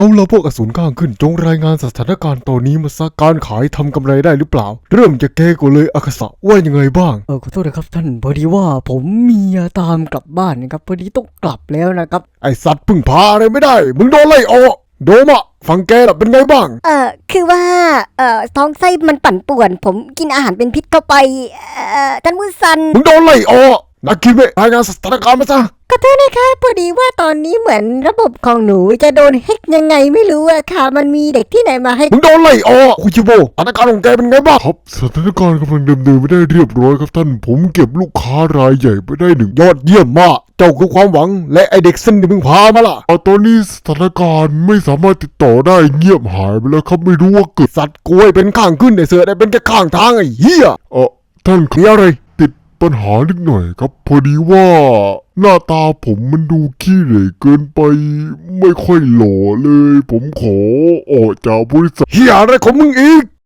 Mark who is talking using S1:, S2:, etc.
S1: เอาละพวกอสูรข้างขึ้นจงรายงานสถานการณ์ตอนนี้มาซะการขายทำกำไรได้หรือเปล่าเริ่มจากแกก่อนเลยอาคาสะว่ายังไงบ้าง
S2: ขอโทษนะครับท่านพอดีว่าผมมีตามกลับบ้านนะครับพอดีต้องกลับแล้วนะครับ
S1: ไอสัตว์พึ่งพาอะไรไม่ได้มึงโดนไล่ออกโดมะฟังแกล่ะเป็นไงบ้าง
S3: คือว่าท้องไส้มันปั่นป่วนผมกินอาหารเป็นพิษเข้าไปท่านผู้ซัน
S1: มึงโดนไล่ออกนักคิดไม่รายงานสถานการณ์มาซะ
S3: ขอโทษนะคะพอดีว่าตอนนี้เหมือนระบบของหนูจะโดนแฮกยังไงไม่รู้อะค่ะมันมีเด็กที่ไหนมาให้
S1: มึงโดนไล่ออกคุชิโบสถานการณ์ของแกเป็นไงบ้างครับสถานการณ์กำลังดำเนินไปได้เรียบร้อยครับท่านผมเก็บลูกค้ารายใหญ่ไปได้1ยอดเยี่ยมมากเจ้าคือความหวังและไอเด็กซึ่งที่มึงพามาล่ะตอนนี้สถานการณ์ไม่สามารถติดต่อได้เงียบหายไปแล้วครับไม่รู้ว่าเกิดสัตว์กล้วยเป็นข้างขึ้นไอเสือได้เป็นแค่ข้างทางไอ้เหี้ยท่านมีอะไรปัญหานิดหน่อยครับพอดีว่าหน้าตาผมมันดูขี้เหร่เกินไปไม่ค่อยหล่อเลยผมขอออกจากบริษัทเฮียอะไรของมึงอีก